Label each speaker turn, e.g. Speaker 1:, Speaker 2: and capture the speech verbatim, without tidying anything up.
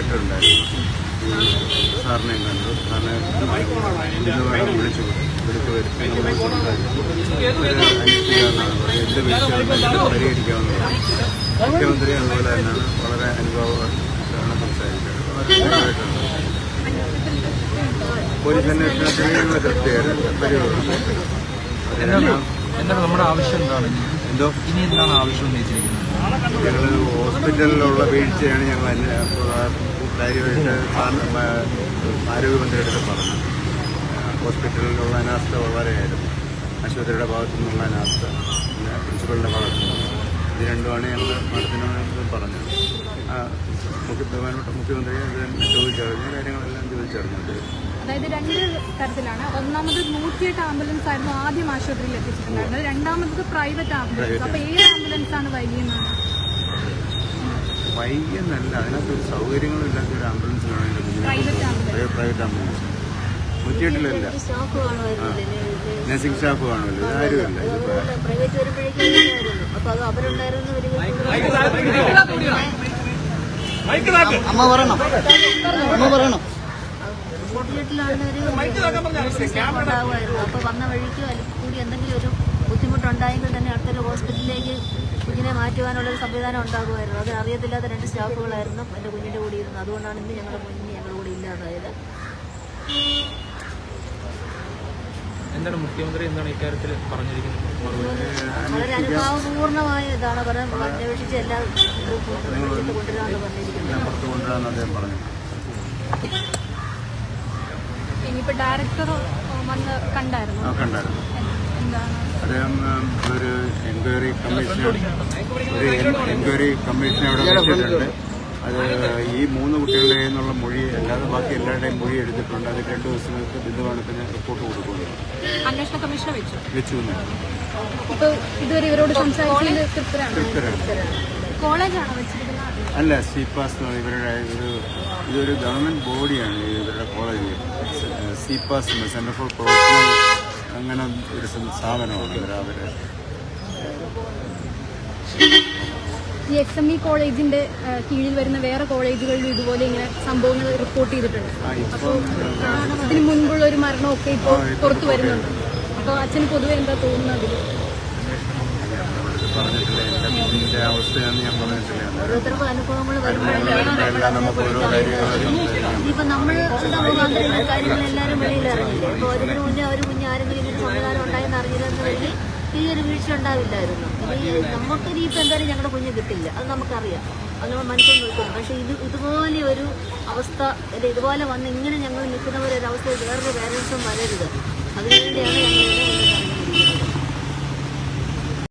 Speaker 1: വന്നിട്ടുണ്ടായിരുന്നു. ഈ സാറിനെയും കണ്ടു. സാറിനെ ഇന്ന് വേണം വിളിച്ചു വിളിച്ചു വരുത്തി നമ്മൾ സംസാരിച്ചു. അന്വേഷിക്കാവുന്നതാണ്, എന്ത് വീഴ്ചകളുണ്ടെങ്കിലും പരിഹരിക്കാവുന്നതാണ്. മുഖ്യമന്ത്രി അതുപോലെ തന്നെയാണ് വളരെ അനുഭവമാണ് സംസാരിച്ചത്. വളരെ പോലീസ് അന്വേഷണത്തിനുള്ള കൃത്യമായിട്ട് പരിപാടി.
Speaker 2: എന്താണ് നമ്മുടെ ആവശ്യം? എന്താണ്
Speaker 1: എന്തോ
Speaker 2: ഇനി എന്താണ് ആവശ്യം ഉന്നയിച്ചിരിക്കുന്നത്?
Speaker 1: ഞങ്ങൾ ഹോസ്പിറ്റലിലുള്ള വീഴ്ചയാണ് ഞങ്ങൾ കാര്യമായിട്ട് ആരോഗ്യമന്ത്രിയുടെ അടുത്ത് പറഞ്ഞു. ഹോസ്പിറ്റലിലുള്ള അനാസ്ഥ വളരെയായിരുന്നു. ആശുപത്രിയുടെ ഭാഗത്തു നിന്നുള്ള അനാസ്ഥ, പിന്നെ പ്രിൻസിപ്പലിൻ്റെ ഭാഗത്തു നിന്നുള്ള ഇത് രണ്ടുമാണ് ഞങ്ങൾ മാഡത്തിനോട് പറഞ്ഞത്. മുഖ്യ ബഹുമാനപ്പെട്ട മുഖ്യമന്ത്രി അത് ചോദിച്ചറിഞ്ഞ കാര്യങ്ങളെല്ലാം ചോദിച്ചറിഞ്ഞത്.
Speaker 3: അതായത് രണ്ട് തരത്തിലാണ്. ഒന്നാമത് നൂറ്റിയെട്ട് ആംബുലൻസ് ആയിരുന്നു ആദ്യം ആശുപത്രിയിൽ എത്തിച്ചിട്ടുണ്ടായിരുന്നത്. രണ്ടാമത് പ്രൈവറ്റ് ആംബുലൻസ്. അപ്പോൾ ഏത് ആംബുലൻസ് ആണ് വൈകിയെന്നാണ്?
Speaker 1: വൈകിയെന്നല്ല, അതിനകത്തൊരു സൗകര്യങ്ങളും ഇല്ലാത്ത ഒരു ആംബുലൻസിനാണ് എൻ്റെ കുഞ്ഞിനെ. പ്രൈവറ്റ് ആംബുലൻസ് നൂറ്റിയെട്ടിലല്ല, നഴ്സിംഗ് സ്റ്റാഫ് കാണുമല്ലോ, ഇതാരുമില്ല.
Speaker 4: അമ്മ പറയണം അമ്മ പറയണം
Speaker 5: ഉണ്ടാകുമായിരുന്നു. അപ്പോൾ വന്ന വഴിക്ക് അല്ലെങ്കിൽ കൂടി എന്തെങ്കിലും ഒരു ബുദ്ധിമുട്ടുണ്ടായെങ്കിൽ തന്നെ അടുത്തൊരു ഹോസ്പിറ്റലിലേക്ക് കുഞ്ഞിനെ മാറ്റുവാനുള്ളൊരു സംവിധാനം ഉണ്ടാകുമായിരുന്നു. അത് അറിയത്തില്ലാത്ത രണ്ട് സ്റ്റാഫുകളായിരുന്നു എൻ്റെ കുഞ്ഞിൻ്റെ കൂടെ ഇരുന്നത്. അതുകൊണ്ടാണ് ഇന്ന് ഞങ്ങളുടെ കുഞ്ഞിന് ഞങ്ങളുടെ കൂടെ ഇല്ലാതായത്.
Speaker 2: എന്താണ് മുഖ്യമന്ത്രി എന്താണ് ഇക്കാര്യത്തിൽ പറഞ്ഞിരിക്കുന്നത്?
Speaker 5: വളരെ അനുഭാവപൂർണമായ ഇതാണ് പറയാൻ അന്വേഷിച്ച് എല്ലാ കൊണ്ടുവരാമെന്ന് പറഞ്ഞിരിക്കുന്നത്.
Speaker 3: ഇനിയിപ്പോൾ ഡയറക്ടർ വന്ന് കണ്ടായിരുന്നു.
Speaker 1: കണ്ടായിരുന്നു.
Speaker 3: എന്താണ്
Speaker 1: അദ്ദേഹം ഒരു എൻക്വയറി കമ്മീഷൻ ഒരു എൻക്വയറി കമ്മീഷൻ അവിടെ വെച്ചിട്ടുണ്ട്. അത് ഈ മൂന്ന് കുട്ടികളുടെ നിന്നുള്ള മൊഴി അല്ലാതെ ബാക്കി എല്ലാവരുടെയും മൊഴി എടുത്തിട്ടുണ്ട്. അത് രണ്ട് ദിവസങ്ങൾക്ക് ബിന്ദുവാണത്തിന് റിപ്പോർട്ട് കൊടുക്കുന്നു.
Speaker 3: അന്വേഷണ കമ്മീഷനെ വെച്ചു
Speaker 1: വെച്ചു
Speaker 3: ഇപ്പോൾ ഇതുവരെ ഇവരോട് സംസാരിച്ചത് തൃപ്തരാണ്. കോളേജാണോ വെച്ചിരിക്കുന്നത്?
Speaker 1: അല്ല, സിപാസ് ഇവരുടെ ഒരു ഇതൊരു ഗവൺമെൻറ് ബോഡിയാണ് ഇവരുടെ college. CPAS centre for professional അങ്ങനെ ഒരു സ്ഥാപനമാണ് ഇവർ. അവര്
Speaker 3: ഈ എക്സ് എം ഇ കോളേജിന്റെ കീഴിൽ വരുന്ന വേറെ കോളേജുകളിൽ ഇതുപോലെ ഇങ്ങനെ സംഭവങ്ങൾ റിപ്പോർട്ട് ചെയ്തിട്ടുണ്ട്. അപ്പോൾ ഇതിന് മുൻപുള്ള ഒരു മരണമൊക്കെ ഇപ്പോൾ പുറത്തു വരുന്നുണ്ട്. അപ്പോൾ അച്ഛന് പൊതുവെ എന്താ തോന്നുന്നത്?
Speaker 1: പറഞ്ഞിട്ടില്ല, എൻ്റെ കുഞ്ഞിൻ്റെ അവസ്ഥയാണ് ഞാൻ പറഞ്ഞിട്ടില്ല.
Speaker 5: ഓരോരുത്തർക്കും അനുഭവങ്ങൾ ഇനിയിപ്പോൾ നമ്മൾ മുഖാന്തരം കാര്യങ്ങൾ എല്ലാവരും വെളിയിൽ അറിഞ്ഞില്ലേ? ഇപ്പോൾ അതിന് മുന്നേ ഒരു കുഞ്ഞ് ആരെങ്കിലും ഇങ്ങനെ സംവിധാനം ഉണ്ടായെന്ന് അറിഞ്ഞില്ലെന്ന് വഴി ഈ ഒരു വീഴ്ച ഉണ്ടാവില്ലായിരുന്നു. ഇനി നമുക്ക് ഇനിയിപ്പോൾ എന്തായാലും ഞങ്ങളുടെ കുഞ്ഞ് കിട്ടില്ല, അത് നമുക്കറിയാം, അത് നമ്മൾ മനസ്സിൽ നിൽക്കുന്നു. പക്ഷേ ഇത് ഇതുപോലെ ഒരു അവസ്ഥ അല്ലെ, ഇതുപോലെ വന്ന് ഇങ്ങനെ ഞങ്ങൾ നിൽക്കുന്നവരൊരവസ്ഥ വേറൊരു പേരൻസും വരരുത്. അതിനുവേണ്ടിയാണ് ഞങ്ങൾ